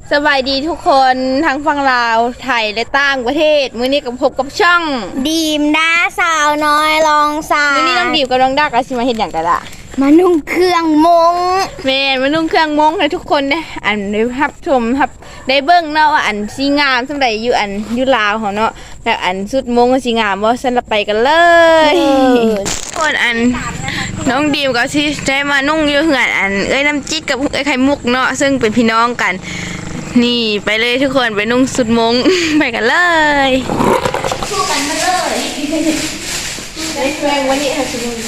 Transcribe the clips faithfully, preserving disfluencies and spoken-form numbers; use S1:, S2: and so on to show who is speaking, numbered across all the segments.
S1: สบายดีทุกคนทั้งฝั่งลาวไทยและต่างประเทศมื้อนี้กับพบกับช่อง
S2: ดีมดาสาวน้อยลองสา
S1: มื้อนี้น้องดิวกับน้องดักอาสิมาเฮ็ดหยังกันล่ะ
S2: มานุ่งเครื่องมง
S1: แม่นมานุ่งเครื่องมงให้ทุกคนได้อันได้รับชมรับได้เบิ่งเนาะว่าอันสิงามสำใดอยู่อันอยู่ลาวเฮาเนาะแล้วอันสุดมงสิงามบ่ซั่นละไปกันเลยคนอันน้องดิวก็สิได้มานุ่งอยู่เฮือนอันเอ้ยน้ำจิ๊กกับเอ้ยไข่มุกเนาะซึ่งเป็นพี่น้องกันนี่ไปเลยทุกคนไปนุ่งสุดมง ไปกันเลยสู้กันมาเลยได้แรงวันนี้ค่ะสุดมง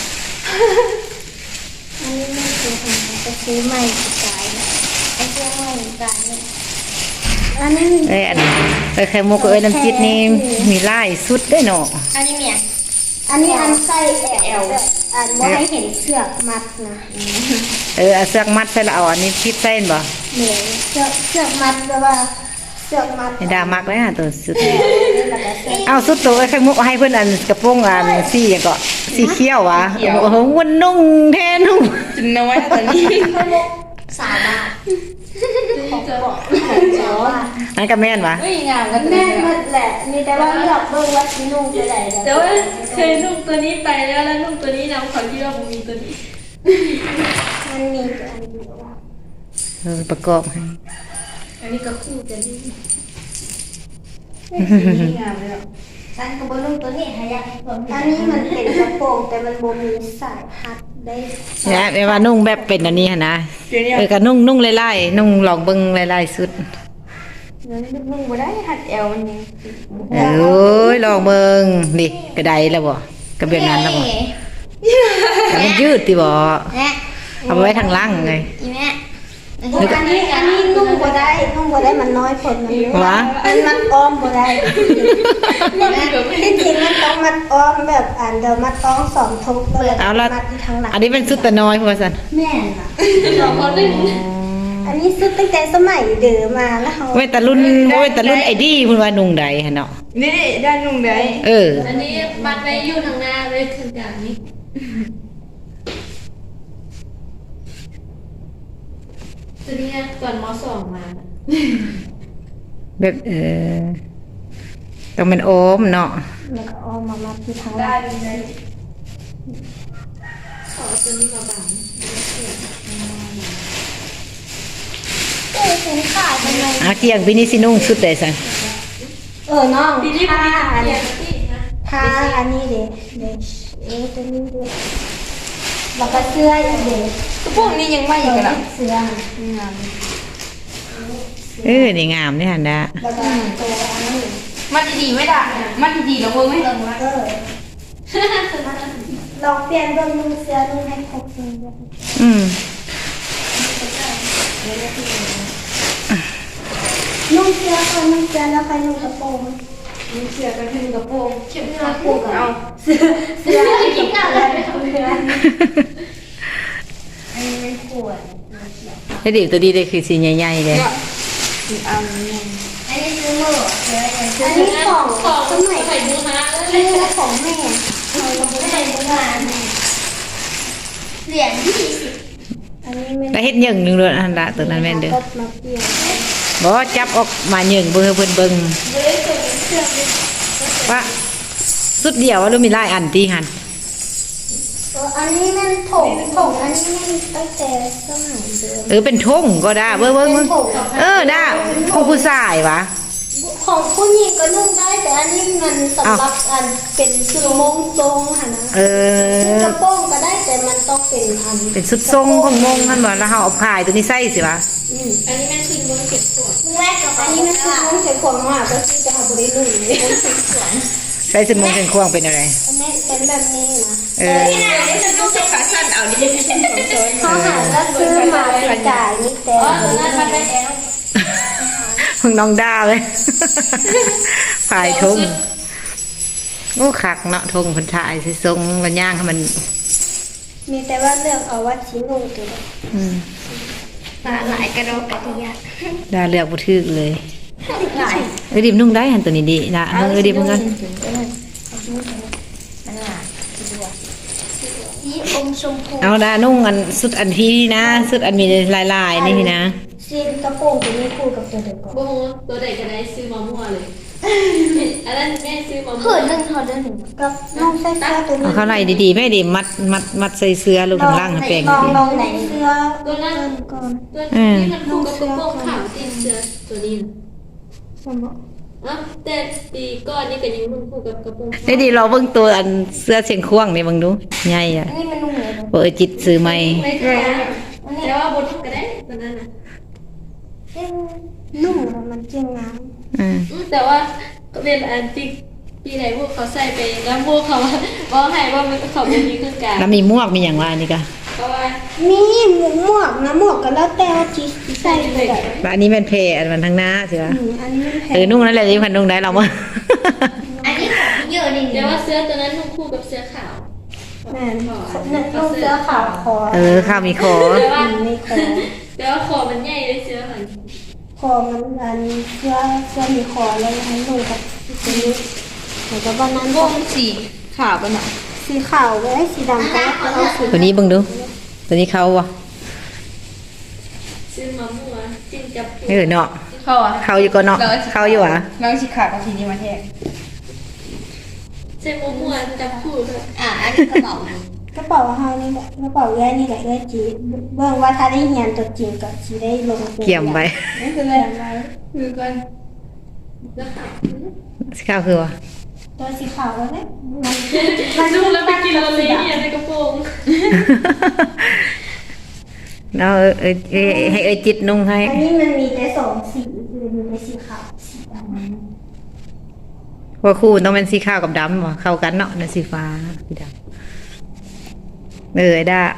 S2: อันนี้ไม่ซื้อของจะซื้อใหม่สายไอ้เสื้อใหม่สายอันนี้
S3: เอ้ยอันเอ้ยไข่มุกเอ้ยน้ำจิ้มนี่มีลายสุดได้เนาะ
S2: อันนี้เนี่ยอันนี้อันไส้แอลอันว่าให้เห็นเสือกมัดนะ
S3: เออเอาเสือกมัดใส่ละเอาอันนี้คิดเส้นบ่
S2: เหมือนเสือกเสือกมัดแปลว่าเสือกมัด
S3: ดามักเลยฮะตัวสุดเอาสุดตัวไอ้ไข่มุกให้เพื่อนอันกระโปรงอันสีอย่างก็สีเขียววะโอ้โหวันนุ่งแทนนุ่ง
S1: จุนน้อยตอนนี้
S2: สาวบ้า
S3: อันก็แม่นวะ
S2: แม่หมดแหละมีแต่ว่าเลือกเบิ่งว่าสินุ่งตัวใด
S4: แต่ว่าเคยนุ่งตัวนี้ไปแล้วแล้วนุ่งตัวนี้นำเขาคิดว่ามันมีตัวนี้
S2: มันมีตัวอันเดียว
S3: เออประกอบให้
S4: อันนี้ก็คู่กันนี่งามเลย
S2: ฉันก็บ่นุ่งตัวนี้ให้ยากอันนี้มันเป็นกระโปรงแต่มันบ่มีสายฮัดได้
S3: เนี่ยแม่ว่านุ่งแบบเป็นอันนี้ฮะนะเออก็นุ่งนุ่งไล่ๆนุ่งลองเบิ่งไล่ๆสุด
S1: นุ่งบ่ได้หัดแอวมันยัง
S3: เอ้ยลองเบิ่งนี่กระไดแล้วบ่กระเบียงนั้นแล้วบ่มันยืดติบ่เอาไว้ทางล่างไง
S2: อีแม่อันนี้อันนี้นุ่งบ่ได้นุ่งบ่ได้มันน้อยคนมัน
S3: วะ
S2: มันมันอ้อมบ่ได้ที่จริงมันต้องมัดอ้อมแบบอันเดิมมัดต้องสองทุกเลย
S3: เอาละ
S2: ทางหลัง
S3: อันนี้เป็นสุดแต่น้อยพ่อสัน
S2: แม่น่ะสองคนนึงอันนี้สุดตั้งแต่สมัยเดิมมาแล้วเฮา
S3: เว้ยแต่รุ่นเว้ยแต่รุ่นไอ้ดีเพิ่นว่านุ่งใดหั่นเนาะ
S1: นี่ด้านนุ่งใด
S3: เออ
S4: อันนี้บัดไว้อยู่ทางหน้าเลยคือกลางนี้ตัวนี้ก่อนม.สองมา
S3: แบบเออต้องเป็นโอมเนาะ
S2: แล้วก็อ้อมมามัดที่ทางหลังได้
S4: ขอตัวนี้มาบัง
S2: เอ้ยเห็นขาดทำไม
S3: เอาเที่ยงพี่นี่สินุ่งสุดได้ซั่น
S2: เออน้องผ้าอันนี้ผ้าอันนี้เด้เด้เออตัวนี้เด้แล้วก็เสื้ออีกเด้
S1: กระโปรงนี้ยังไม่อยู่กันล่ะ
S2: เสื้อ
S3: เออนี่งามนี่หั่นดา
S2: แล้วก็ตัวอันนี้
S1: มันดีๆไม่ได้มันดีๆแล้วเบิ่งมั้ย
S2: เออลองเปลี่ยนเบิ่งนุ่งเสื้อนุ่งให้ครบเลย
S3: อืม
S2: นุ่งเสื้อก่อนนุ่งเสื้อแล้วค่อยนุ่งกระโปรง
S1: นุ่งเสื้อกันนุ่งกระโปรง
S2: เข็มกระโปรงเอาเสื้อเสื้อเข็มกระโปรงอันนี้ไม่ควร
S3: ไอ้ดิตัวดีเลยคือสีใหญ่ๆเลย
S1: อันนี้
S2: อันนี้ซื้อมืออันนี้ของของสมัย
S4: ไข่บูฮา
S2: เลยของแม่ของแม่โบราณเหรียญยี่สิบอันนี้ไม่
S3: ได้เฮ็ดหยังนึงเลยอันละตัวนั้นแม่นเด้อบ่จับออกมาหยังเบิ่งเพิ่นเบิ่งว่าสุดเดียวว่ารู้มีหลายอันติหั่น
S2: อันนี้แม่นถงถงอันนี้แม่นตั้งแต่สมัยเดิม
S3: เออเป็นทงก็ได้เบิ่งเบิ่งเออได้ของผู้ชายวะ
S2: ของผู้หญิงก็นุ่งได้แต่อันนี้มันสำหรับอันเป็นชุดมงทรงค่ะนะ
S3: เออก
S2: ระโปรงก็ได้แต่มันต้องเป็นอัน
S3: เป็นชุดทรงของมงท่านบอกแล้วเฮาเอาผ้าตัวนี้ใส่สิวะ
S4: อันนี้แม่ชุดมงเก็บขวด
S2: แรกกับอันนี้มันชุดมงเก็บขวดมากก็คือจะหาบริลุ่ย
S3: ใส่ชุดมงเก็บขวดเป็นอะไร
S2: แม่เป็นแบบนี้นะ
S3: เออ
S1: ที่ไหนได้ฉันต้องจับขาสั้นเอาดิฉันของโซน
S2: เขาหาแล้วซื้อมาเป็นจ่ายนี่แต่
S4: อ๋อนั่นมันได้แล้ว
S3: เพิ่งน้องด่าเลยฝ่ายทงโอ้คักเนาะทงคนถ่ายสิทรงมันย่างให้มัน
S2: มีแต่ว่าเลือกเอาวัดชิ้นนุ่งตัวเดียว
S4: ตาหลายกระโดดกระดิยา
S3: ด่าเลือกบ่ถูกเลยเอ้ยดิบนุ่งได้หันตัวนี้ดีนะเอ้ยดิบมึงกัน
S2: สีอมชมพู
S3: เอาด่านุ่งอันสุดอันที่นะสุดอันมีลายๆนี่นะ
S2: ซีนกระโปรงตัวนี้คู่กับตัวเดิมก่อน
S4: โบตัวใดก็ได้ซื้อมามั่วเลยอันนั้นแม่ซื้อมามั่
S2: เผื่
S4: ว
S2: อหนึ่งทอเดินหนึ่งกับน้องใส่เสื้อตัวนี้
S3: เอาเข้าไล่ดีๆแม่ดิมัดมัดมัดใส่เสื้อลูกข้างล่างให้แปลง
S2: ลอง
S3: ดี
S2: ลองไหนเสื้อ
S4: ตัวนั้น
S2: ก่อน
S4: ตัวที่มันคู่กับกระโปรงขาวติดเสื้อตัวนี้
S2: สมมติ
S4: อ่ะแต่ปีก่อนนี่ก็ยังนุ่งคู่กับกระโปรง
S3: ไอ้ดีเราเบิ่งตัวอันเสื้อเชียงควงนี่เบิ่งดูใหญ่อ่ะ
S2: อันนี้มันนุ่มเลย
S3: บ่เอ้ยจิตซื้อใหม่
S4: ไม่ใช่แต่ว่าบนก็ได้ตัวนั้นน่ะ
S2: นุ่มแล้วมันเจียงงาม
S3: อืม
S4: แต่ว่าเป็นอันที่ปีไหนพวกเขาใส่ไปแล้วพวกเขาบอกให้ว่ามันเขาไม่มีเครื่องกลาง
S3: แล้วมีหมวกมีหยังว่าอันนี้ก็
S4: เพราะว่า
S2: มีหมวกหมวกนะหมวกก็แล้วแต่ว่าจีใส่ไปไหน
S3: แล้วอันนี้แม่นเพอันมันทางหน้าใช่ปะ
S2: อืมอันนี้มันแพ
S3: เออง นุ่งนั่นแหละที่พันนุ่งได้เราบ่
S2: อันนี้ของเยอะนี่
S4: แต่ว่าเสื้อตัวนั้นนุ่งคู่กับเสื้อขาว
S2: แม่นุ่งเสื้อขาวคอ
S3: เออข้าวมีคอ
S4: แต่ว่า
S2: ไม่คอ
S4: แต่ว่าคอมันใหญ่เลยเสื้อมัน
S2: คอมันอันเสื้อเสื้อมีคอแล้วให้นุ่งกับตัวนี้เหมือนกับวันนั้น
S1: วงสีขาวปะเนาะ
S2: สีขาวไว้สีดำก็เอาสี
S3: ตัวนี้เบิ่งดู ตัวนี้เขาบ่
S4: ซื้อมามั่วจิ้มจับคู่
S3: เออเนาะ
S1: เข้าอ่ะ
S3: เขาอยู่ก็เนาะเขาอยู่อ่ะ
S1: น้องสีขาวกับสีนี้มาแทน
S4: ใส่มั่วๆจับคู่ด้วย
S2: อ่ะอันนี้กระเป๋ากระเป๋าเฮานี่แหละกระเป๋าแย่นี่แหละเอ้ยจีเบิ่งว่าถ้าได้เรียนตัวจริงก็สิได้ลงตัว
S3: เกี่ยมไป
S1: นี่คืออะไรคือกัน
S4: แล้วขาว
S3: ข้าวคือว่า
S2: ตัวสีขาวแล้วเนี่ยมัน
S4: มันนุ่งแล้วไปกินโรเล่เนี่ยในกระโปรง
S3: เนาะเออเออเออให้เอ้ยจิตนุ่งให้
S2: อันนี้มันมีแต่สองสีคือมีแต่สีขาวสีดำ
S3: ว่าคู่ต้องเป็นสีขาวกับดำบ่เข้ากันเนาะนั่นสีฟ้าสีดำเออไอ้ด้า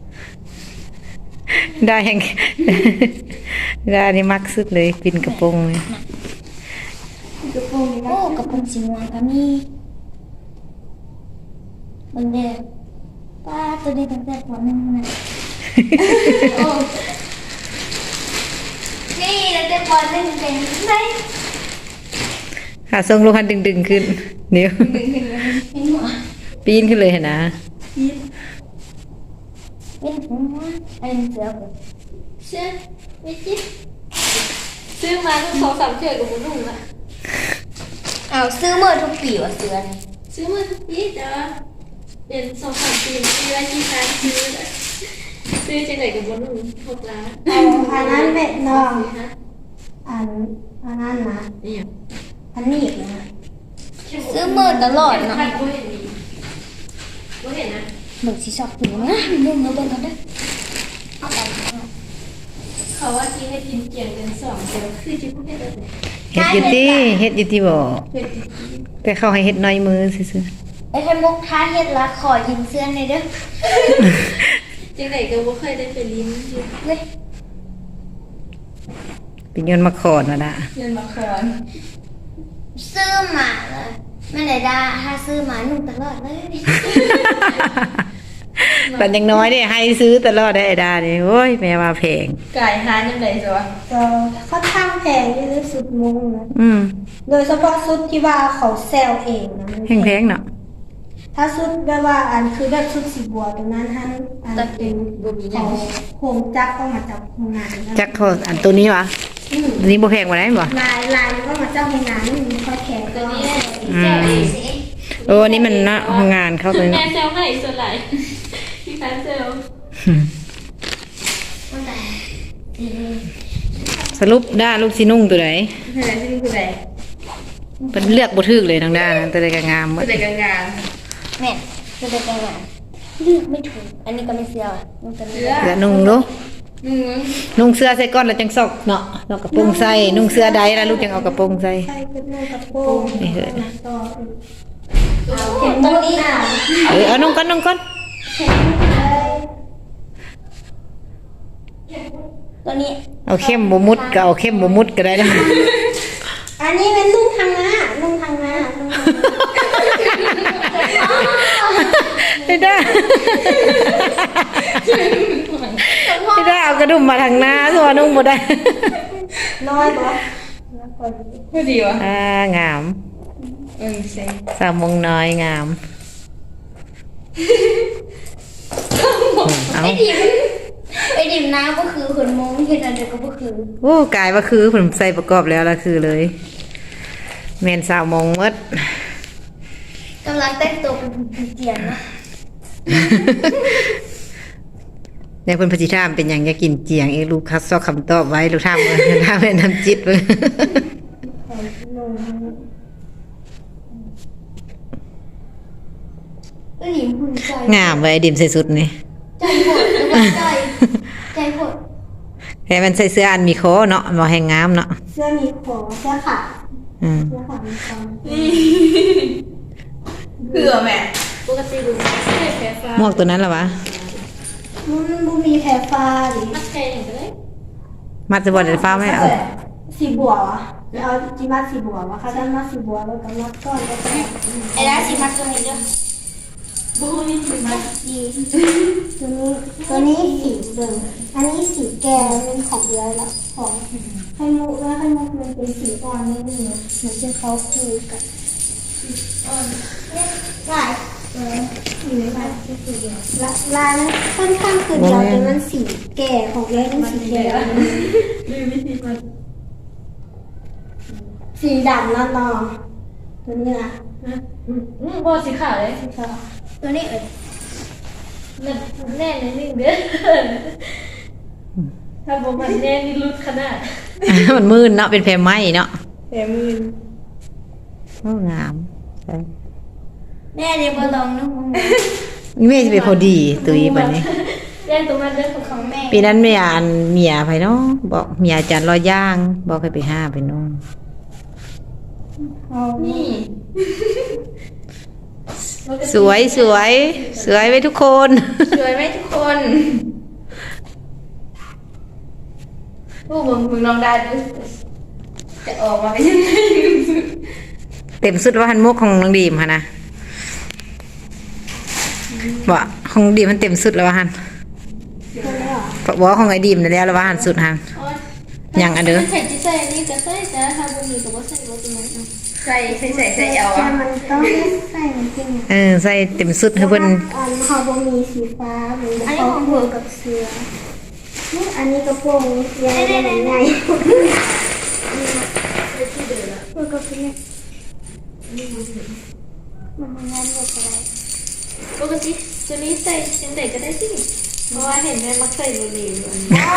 S3: ได้แห่ง ด้านี่มักสุดเลยปินกระโปรงเลย
S2: กระโปรงโอ้กระโปรงสีม่วงก็มีมันเด็กป้าตัวนี้ตั้งแต่ปหนึ่งนะนี่ตั้งแต่ปหนึ่งเป็นไง
S3: ขาทรงลูกคันดึงๆขึ้นเดี๋ยว
S2: เป็นหัว
S3: ปีนขึ้นเลยเห็นนะ
S2: เป็นหัวอันเสือ
S4: เสื้อไม่จิ๊บซื้อมาทุกสองสามเชือกกับนุ่งละ
S2: เอาซื้อเมื่อทุกปีว่ะเสือนี่
S4: ซื้อมาทุกปีแต่ว่าเป็นสองสามปีปีละกี่ครั้งซื้อเลยซื้อจังไหนกับนุ่งหกล้าน
S2: เอาอันนั้นเป็ดน้อง
S4: ฮะ
S2: อันอันนั้นนะ
S4: นี่
S2: อันนี้อีกนะซื้อเมื่อตลอดเนาะ
S4: ไม่เห็นดีไม่เห็นนะ
S2: หนึ่งสีชอบตัวนะเบิ่งเอาเบิ่งกันเด้อเอาไป
S4: เขาว่าที่ให้กินเกี่ยงกันสองเดียวคือจิ๊บไม่เห็นเลย
S3: เฮ็ดอยู่ที่เฮ็ดอยู่ที่บ่แต่เขาให้เฮ็ดน้อยมือซื่อ
S2: ไอ้ไข่มุกท้าเฮ็ดละขอยืมเสื้อหน่อยเด้อ
S4: จังไหนก็บ่เคยได้ไปลิ้นอยู่
S2: เว้ย
S3: ๆเป็นเงินมาขอนมาดะ
S1: เงินมาคอน
S2: ซื้อมาเลยไม่ได้ด่าถ้าซื้อมานุ่งตลอดเลย
S3: ตอนยังน้อยเนี่ยให้ซื้อตลอดได้ไอ้ดานี่โอ้ยแม่มาแพง
S1: ไก่ฮานยังไงจ้ะ
S2: ก็ค่อนข้างแพงที่สุดมุงนะ
S3: อืม
S2: โดยเฉพาะชุดที่ว่าเขาแซลเองนะมัน
S3: แพงๆเนาะ
S2: ถ้าชุดแบบว่าอันคือแบบชุดสีบัวตัวนั้นท่านอันเป็นของโฮมจักก็มาจากโรงงานนะ
S3: จักเขาอันตัวนี้วะ
S2: อืม
S3: ตัวนี้บ่แพงกว่าได้บ่
S2: ลายลายมันก็มาจากโรงงานนี่มันค่อยแข็ง
S4: ตัวนี้
S3: อืมโอ้อันนี้มันนะโรงงานเขาเลย
S4: แม่
S3: เนาะ
S4: เซลให้ส่วนไหลพี่แฟนเซล
S2: มันแต่สี
S3: สรุปด้าลูกสินุ่งตัวไหน
S1: เฮ้ยที่นี่คืออะไร
S3: เป็นเลือกบ่ถูกเลยทางด้านนั้นตัวใดก็งามหม
S1: คื
S3: ด
S1: อแต่กลางงาน
S2: แม่จะได้กันงานเลือกไม่ถูกอันนี้ก็ไม่เสียวอ่ะมันจะเลือก
S3: เสื้อนุ่งดู
S1: มึง
S3: นุ่งเสื้อใส่ก้อนแล้วจังซอกเนาะเนาะกระโปรงใส่นุ่งเสื้อใดแล้วลูกจังเอากระโปรงใส่
S2: ใช่เป็นนุ่งกระโปรง
S3: นี่เหอะ
S2: ต่อเห็นตัวนี้อ่ะ
S3: เออเอานุ่งก่อนนุ่งก่อน
S2: ตัวนี้
S3: เอาเข้มบ่มุดก็เอาเข้มบ่มุดก็ได้นะ
S2: อันนี้เป็นนุ่งทางหน้านุ่งทางหน้านุ่งทางหน้า
S3: ไม่ได้ไม่ได้เอากระดุมมาทางหน้าตัวนุ่งบ่ได้
S2: น้อยบ่
S1: พอดีวะ
S3: อ่างาม
S1: เออใช่
S3: สาวมงน้อยงามเอา
S2: ไอ้ดิมน้ำก็คือคนมงเห็นอะไรก็คือ
S3: โอ้กายว่าคือผมใส่ประกอบแล้วละคือเลยแมนสาวมองมด
S2: กำลังแต่งตัวเป็นผีเจียนนะ
S3: เนี่ยเพิ่นพจิธามเป็นหยังอยากกินเจียงเองลูกคัดซอกคำตอบไว้ลูกทามเบิ่ง ทามเป็นน้ำจิตเบิ่ง
S2: ไอ้ดิมหุ่นใจ
S3: งามไว้ดิมใส่สุดนี่
S2: ใจหดหรือว่าใจใจหด
S3: แต่มันใส่เสื้ออันมีคอเนาะบ่แห้งงามเนาะ
S2: เสื้อมีขอเสื้อขาด
S3: อืม
S2: เสื้อขาดมีคอ
S1: เผื่อแม่
S4: ปกติดูใส่แพ้ฟ้า
S3: หมวกตัวนั้นล่ะวะ
S2: มันบูมีแผลฟ้าดิ
S4: มัดแพ้อย่างก็ได้
S3: มัดจะบ่ได้ฟ้าไหมเอา
S2: สีบัววะเอาจิมัดสีบัววะค่ะด้านมัดสีบัวแล้วก็มัดก้อนแล้วก็ไอ้ด้านสีมัดตัวนี้ด้วย
S4: บูมีถึงมัด
S2: สีตัวนี้ตัวนี้สีเดิมอันนี้สีแก่เป็นของเยอะแล้วของไข่มุกแล้วไข่มุกมันเป็นสีอ่อนนิดนึงเหมือนที่เขาคุยกันอ่อนเนี่ยลายเอออยู่ในลายที่สีเดียวละลายมันค่อนข้างคือเดียวแต่มันสีแก่ของเยอะเป็นสีแก่
S4: ลืมวิธีมัน
S2: สีดำแล้วนอตัวนี้นะ
S4: อืมอืมบอสีขาวเลย
S2: ตัวนี้เอ่ย
S4: มันแน่นนิดนึงเด้อถ้าบอกมันแน่นนี่รุดขนาด
S3: มันมืนเนาะเป็นแพรไหมเนาะ
S1: แม่มืน
S3: โอ้งามใช่
S2: แม่เดี๋ยวมาลองนะมึง
S3: นี่แม่จะเป็นพอดีตุยบัดนี้
S4: แน่นตรงนั้นเด้อของ
S2: ของแม่
S3: ปีนั้นแม่อ่านเมียไปเนาะบอกเมียอาจารย์รอย่าง บอกให้ไปห้าไปโน่น
S2: เอา
S4: นี่
S3: สวยสวยสวยไว้ทุกคน
S1: สวยไหมทุกคนผู้มึงมึงลองได้ดูจะออกมาเป็นยังไง
S3: เต็มสุดว่าหันมุกของน้องดีมค่ะนะบอกของดีมมันเต็มสุดแล้วว่าหัน
S2: ตัวนี้เหรอ
S3: บอกว่าของไอ้ดีมนั่นแล้วแล้วว่าหันสุดหัน ยังอันเด้อ
S4: ใส่ที่ใส่นี่ก็ใส่แต่ถ้าบุมีก็บ่ใส่บ่ตรงนั้น
S1: ใส่ใส่ใส่ใส่เอา
S2: แต่
S1: อ่ะ
S2: มันต้องใส่จริง
S3: เออใส่เต็มสุดให้เพิ่น
S2: อันเขาบมีสีฟ้าเหมือนเขาบวกกับเสือนี่อันนี้กระโปรงยาวใหญ่ใหญ่เพื่อกับเนี่ยมันมันงานแบบอะไร
S4: ปกติตัวนี้ใส่จังไดก็ได้สิเพราะว่าเห็นแม่มักใส่โรลีอยู่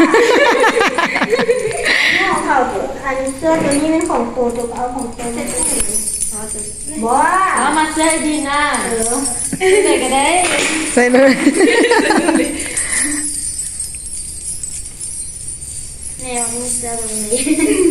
S2: นี่ของเขาอันเสื้อตัวนี้เป็นของโตตัวเอาของโต
S4: ใส่
S2: ใส่
S4: ตู้
S2: บ้า
S4: เอามาใส่ดีนะเออใส่ก็ได้
S3: ใส่เลย
S2: แนวมันเสื้อตรงนี้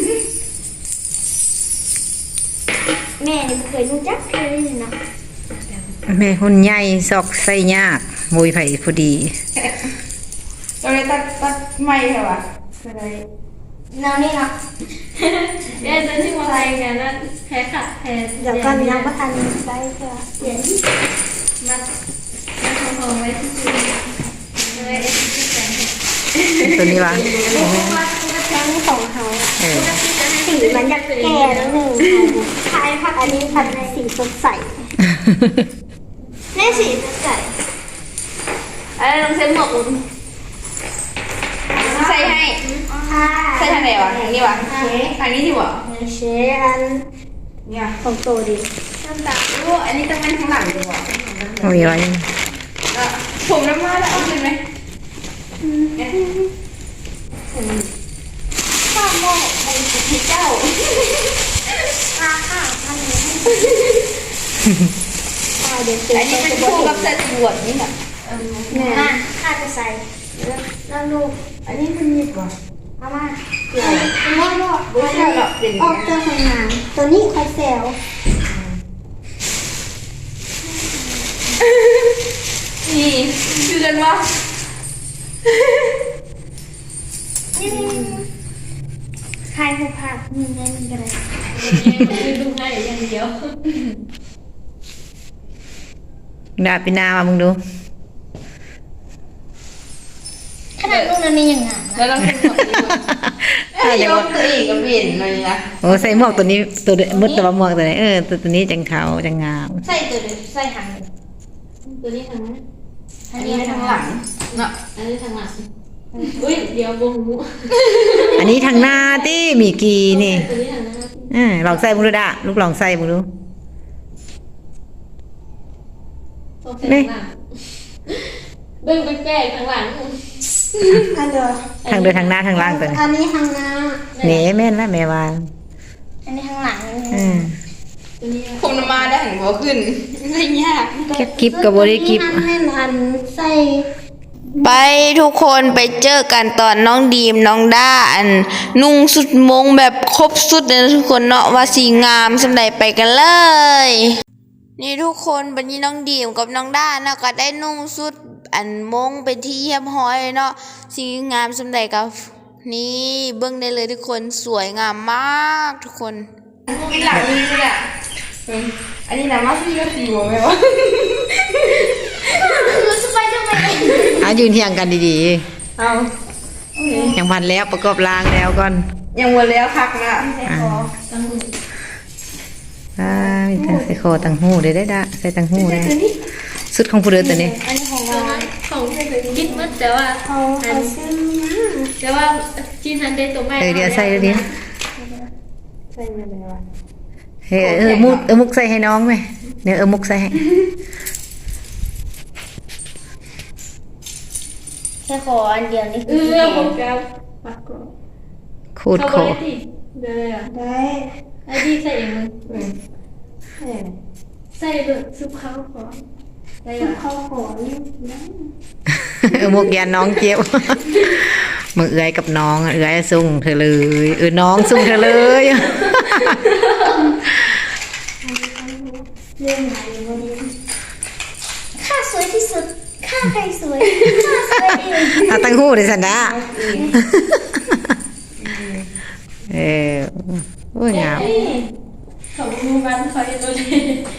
S2: แม่นี่เคยรู้จักเคยได้ยินนะ
S3: แม่หุ่นใหญ่ซอกใส่ยากมวยไผ่พอดี
S1: ก็เลยตัดตัดไม่เหรอวะก็เลย
S2: แนวนี้เนาะ
S4: เดี๋ยวจะที่มาใส่กันนั้นแพ้ค่ะแพ้
S2: เดี๋ยวก่อนยังประทานได้เพื่อเปลี่ยน
S4: มัดมัดทองไว้ที่ซื้อเลยที่แต่ง
S3: ตัวนี้วะ
S2: แค่นี้ของเขา
S3: เออ
S2: สีมันจะแก่นิดนึงคล้ายผักอันนี้ผัดสีสดใสแม่สีสดใส
S1: อะไรลองเซ็นหมวกอุ่นใส่ให้
S2: ค่ะ
S1: ใส่ทางไหนวะทางนี้วะทางนี้ที่วะ
S2: เชอัน
S1: เนี่ย
S2: ของโตดี
S1: น้ำตาลโอ้อันนี้ต้องเป็นข้างหลังดีกว่า
S3: มีไว้
S1: ผมน้ำมาแล้วเอาขึ้นไหม
S2: ข้าวโมกเป็นเจ้าค่ะค่ะอันนี้เดี๋ยว
S1: อันนี้เป็นคู่กับใส่บวชนี่แหละ
S2: เนี่ยข้าจะใส่แล้วลูกอันนี้มันมีก่อนเอามาเดี๋ยวไม่หรอก
S1: ไม่ใช่หรอกเป็น
S2: ออกจากห้องน้ำตัวนี้คอยแซว
S1: นี่คือกันวะ
S2: นี่ใครผู้พามีได้มีกันเลย
S4: คือดูง่ายอย่างเดียว
S3: ดาบปีนามามึงดู
S2: ขนาดลูกนั้นมีอย่างงั้น
S1: แล้วลองเซ็นหมวกดีกว่าไอ้ยกตัวเองก็เปลี่ยนเลยนะ
S3: โอ้ใส่หมวกตัวนี้ตัวมืดตัวหมวกตัวไหนเออตัวตัวนี้จังขาวจังงาม
S1: ใส่ตัวเดียวใส่หาง
S4: ตัวนี้ทางนั้น
S1: อันนี้ทางหลังเนาะ
S4: อันนี้ทางหลัง
S1: อ
S4: อุ้ยเดี๋ยววงมุ
S3: อันนี้ทางหน้าติมีกีนี่
S4: ตัวนี้หันหน้า
S3: อ่าลองใส่มึงดูดะลูกลองใส่มึงดู
S4: สองเส้นหลังเบิ่งแปลกๆข้างหลัง
S2: อันเดียว
S3: ทางเดินทางหน้าทางล่างตัวนี้
S2: อันนี้ทางหน้า
S3: เน่แม่นละแม่วาน
S2: อันนี้ทางหลัง
S3: อืม
S4: ตัวนี้
S1: ผมนำมาได้หันบ่ขึ้นไม่ยาก
S3: แค่กิบกับบริกิบ
S2: อันนี้อันใส่
S1: ไปทุกคนไปเจอกันตอนน้องดีมน้องด้าอันนุ่งสุดมงแบบครบสุดเลยนะทุกคนเนาะว่าสีงามสำใดไปกันเลย นี่ทุกคนบัดนี้น้องดีมกับน้องด้าเนาะก็ได้นุ่งสุดอันมงเป็นที่เยี่ยมห้อยเนาะสีงามสำใดกับนี่เบิ่งได้เลยทุกคนสวยงามมากทุกคนกินหลังนี้เนี่ยอันนี้นะมาพี่ก็สีหัวไหมวะ
S2: รู้จะไปทำไม
S3: อ่ะยืนเทียงกันดี
S1: เอา
S3: ๆอย่างพันแล้วประกอบรางแล้วก่อน
S1: ยังวนแล้วคักนะ
S3: อ่าอ่ามีตั้งใส่คอตั้งหูได้ได้ดะใส่ตั้งหูได้สุดของผู้เดินตัวนี้
S2: อันนี้ของ
S4: ตัว
S2: เรา
S4: นั้นของกินมืดแต่ว่า
S2: เขาเขาซื้อมา
S4: แต่ว่าจีนทันได้ตัวแม่
S3: เออเดี๋ยวใส่เดี๋ยวนี้
S1: ใส่มาเลยวะ
S3: เฮ้ยเออมุกเออมุกใส่ให้น้องไหมเดี๋ยวเออมุกใส่ให้
S2: แค่ขออันเดียวนี่
S4: เออผมแก้วปักกรอบ
S3: ขูดคอ
S4: เดี๋ยวเลยอ่ะ
S2: ได้
S4: ไอ้ดีใส่เองมึงใส่เบิกซุปข้าวก่อนได้
S2: ทุ
S4: อ่ะ
S2: กเขาขอนี่นะ
S3: เออมุกยันน้องเจี๊ยบ มือเอื้อยกับน้องอะเอื้อยส่งเธอเลยเออน้องส่งเธอเลย
S2: เรื่องไหนวันนี้ข้าสวยที่สุดข้าใครสวยข้าสวยเอง
S3: เอาตั้งหูดิสันดาเออโอ้ยงาม
S4: ของมูมันคอยตัวนี้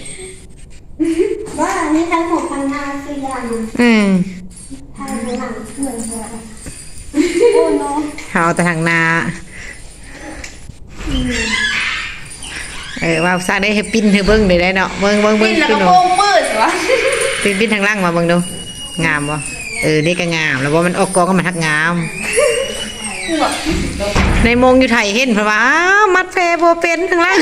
S2: ว่าอันนี้ทั้งหมดพันห้าคืออย่าง
S3: อืม
S2: ทางหลังเหมือนกันโอ้เนาะ
S3: เอาแต่ทางหนาเออว่าสร้างได้ให้ปิ้นให้เบิ้งได้ได้เนาะเบิ้งเบิ้งเบิ้
S1: ปิ้
S3: ง
S1: นแล้ว
S3: ปิ้
S1: ก็
S3: น
S1: โป่
S3: เนาะ
S1: งมืดวะ
S3: ปิ้นปิ้นทางล่างมาเบิ้งดูงามบ่เออนี่ก็งามแล้วว่ามันออกกองก็มันทักงาม ในมงอยู่ไทยเห็นเพราะว่าอ้าวมัดแพรโบเป็นข้างล่าง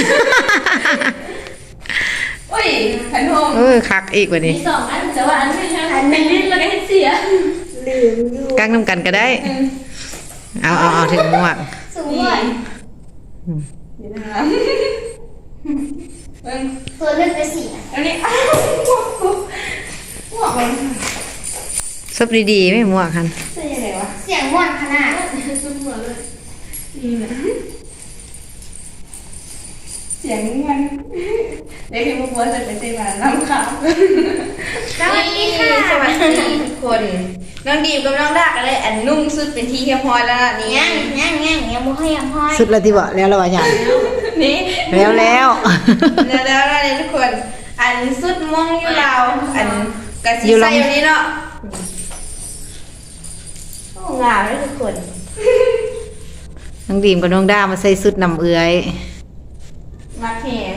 S1: โอ้ยขันโฮม
S3: เออคักอีกว่านี้
S4: มีสองอันแต่ว่าอันไม่ใช่เป็นลิ้นแล้วก็ให้เสีย
S2: ลืมอยู่
S3: กั้งน้ำกันก็ได้ เอาเอาเอาถึงหมวก
S2: สูงกว่า
S1: เดี๋ยวนะเบิ้ง
S2: ตัวเลือกไปสี่อ่ะ
S1: อันนี้อ้าวหมวกกูหมวกมัน
S3: ซบดีๆไม่หมวกคัน
S1: ใช่ยังไงวะ
S2: เสียงม่วนขนาด
S4: ซุปหัวเลย
S1: นี่นะเสียงมันเด็กที่พวกว่าจะไปเต้นมาน้ำขาว
S2: สวัสดีค่ะ
S1: สวัสดีทุกคนน้องดีมกับน้องดาก็เลยอันนุ่งสุดเป็นที่เฮียพอยแล้วนะนี่
S2: ย่างย่างย่างยังมุ้ยยังห้อย
S3: สุดละที่บอกแล้วละว่าอย่าง
S1: นี่
S3: แล้วแล้ว
S1: แล้วแล้วอะไรทุกคน อันสุดมงอยู่เราวอันกระสีใส่อยู่นี้เนาะโอ้งามเลยทุกคน
S3: น้องดีมกับน้องด้ามาใส่สุดนำเอื้อย
S1: มักแหง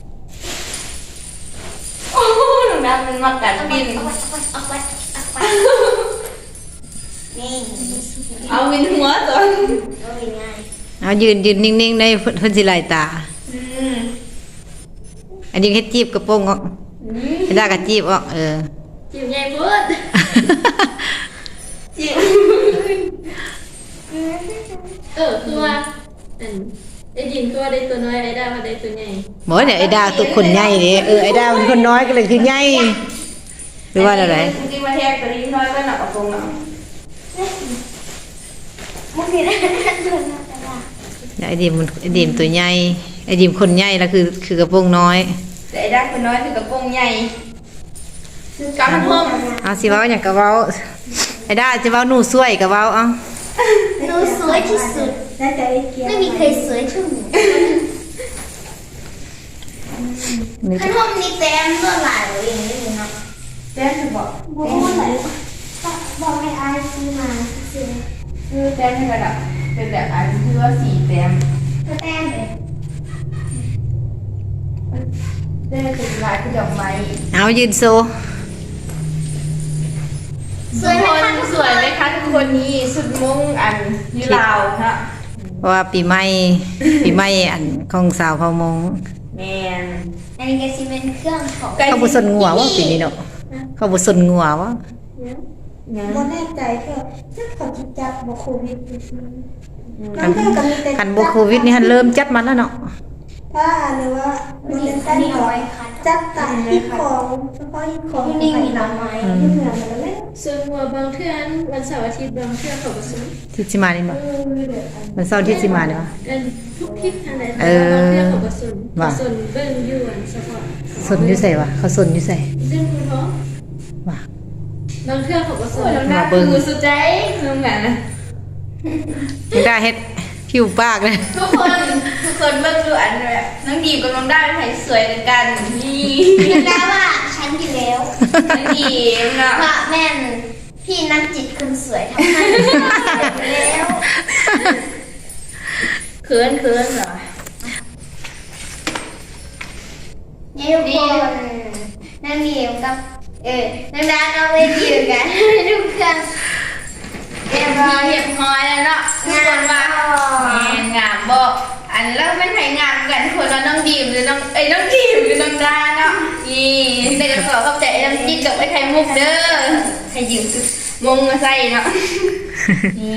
S1: โอ้น้องดามันมักกัดบิน
S2: เอาไปเอาไปเอาไปนี่
S1: เอาวินหัวตัว
S2: ก็ง่าย
S3: เอายืนยืนนิ่งๆในเพิ่นสิไหลตา
S1: อืม
S3: อันนี้เฮ็ดจีบกระโปรงออกให้ได้กระจีบออกเออ
S4: จิ้มใหญ่พูด
S1: จิ๋ว
S4: เออคือว่าอันไอ้ดินตัวได้ตัวน้อยไอ้ดามาได้ตัวใหญ่
S3: หมอเนี่ยไอ้ดาตัวคนใหญ่นี่เออไอ้ดามันคนน้อยก็เลยคือใหญ่หรือว่าอะไร
S1: จริงๆมาแทกตัวนี้น้อยก็หนักกว่าตรงเนาะ
S2: มุกนี่ได้ตัวน่าจะได้
S3: ไอ้ดีมมันไอ้ดีมตัวใหญ่ไอ้ดีมคนใหญ่แล้วคือคือกระโปรงน้อย
S1: แต่ไอ้ด้าคนน้อยถึงกระโปรงใหญ่กำลังเพิ่ม
S3: เอาสิเว้าอย่างกะเว้าไอ้ดาจะเว้าหนูสวยกะเว้าเอา
S2: หนูสวยที่สุดไม่มีใครสวยเท่าหนู
S3: นี่
S2: ขนมนี่แต้มเมื่อไหร่เองนี่เนาะ
S1: แจ้งจะบอก
S2: บอกว่าไหนบอกให้อายซื้อมาซื้อ
S1: คือแจ้งให้กระดับเป็นแบบอันที่ว่าสีแต้ม
S2: ก็แต้มเลย
S1: แจ้งเป็นลายที่ดอกไม้
S3: เอายืนโซ
S2: สวยไหมคะ
S1: สวยไหมคะทุกคนนี่สุดมงอันยูลาวฮะ
S3: เพราะว่าปีใหม่ ปีใหม่อันของสาวเผ่ามง
S1: แมน
S2: อันนี้ก็สิเป็นเครื่องของ
S3: เขาบ่สนงัวว่าปีนี้เนาะเขาบ่สนงัวว่า
S2: บ่แน่ใจแค่ถ้าเขาจะจับบ่โควิดอยู่ซิ
S3: คันคันบ่โควิดนี่หันเริ่มจัดมาแล้วเนาะ
S2: ถ้าหรือว่ามันเป็นต้นน้อยจับตัดที่ของเฉพาะที่ของนี่มีหน่อไม้ที่เหมือนกันเลย
S4: ส่วนหัวบางเทื่อนวันเสาร์อาทิตย์บางเทื่อเขาก็ซื้อ
S3: ที่สิมานี่บ่มันเศร้าร์ที่สิมานี่บ่
S4: กันทุกทิศทางไหน
S3: เออ
S4: บางเทื่อเขาก็ซื้อ
S3: ว่า
S4: ส่วนเบิ่งอยู่อันเฉพาะ
S3: สนอยู่ไสวะเขาสนอยู่ไส
S4: ซึ่งคุณพ่อ
S3: ว่า
S4: บางเทื่อเขาก็ซื้อ
S1: น้ำหน้าคือสุดใจน้องแหม่นะ
S3: ยังได้เฮ็ดผิวปากเลย
S1: ทุกคนทุกคนเบิ่งดูอันแบบน้องดีมกับน้องได้เป็นไผสวยกันนี่
S2: แล้วว่าฉันอยู่แล้ว
S1: น้องดีมเนาะ
S2: ว่าแม่นพี่นักจิตคนสวยทำให้แล้ว
S1: เขินเขินเหรอ
S2: นี่ทุกคนนั่งเดียวกับเออนั่งดาเราไปอยู่กันทุกคนเรียบร้อย
S1: เรียบร้อยแล้วเนาะทุกคนว่าแม่งามบอกอันแล้วมันไผงามกันทุกคนว่าน้องดีมหรือน้องเอ้ยน้องดีมหรือน้องดาเนาะนี่ได้ก็ขอเข้าใจไอ้น้ำจิ้มกับไอ้ไข่มุกเด้อให้ยืมมงมาใส่เนาะนี่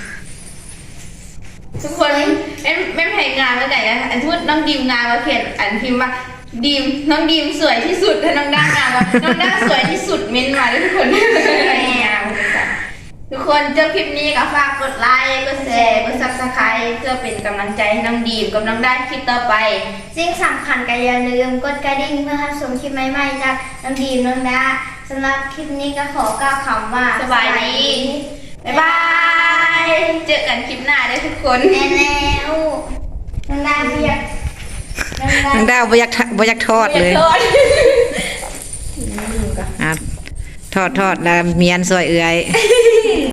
S1: ทุกคนแม่แม่ไผ่งามแล้วไหนอะอันพูดน้องดีมงามมาเขียนอันพิมพ์ว่าดีมน้องดีมสวยที่สุดถ้าน้องด้างามว่าน้องด้าสวยที่สุดเม้นมาเลยทุกคนงามทุกคนเจอคลิปนี้ก็ฝากกดไลค์กดแชร์กดซับสไครต์เพื่อเป็นกำลังใจให้น้องดีมกับน้องด้าคลิปต่อไป
S2: สิ่งสำคัญก็อย่าลืมกดกระดิ่งเพื่อรับชมคลิปใหม่ๆจากน้องดีมน้องดาสำหรับคลิปนี้ก็ขอกล่าวคำว่า
S1: สบายดีบ๊ายบาย เจอกันคลิปหน้าด้วยทุกคน
S2: แน่แล้วน้องดาไม่อยากน้องดา
S3: นางดาวบ่อยากทะบ่อยากทอดเลย
S1: โทษ
S3: อ่ะทอดทอดแล้วเมียนซอยเอื้อย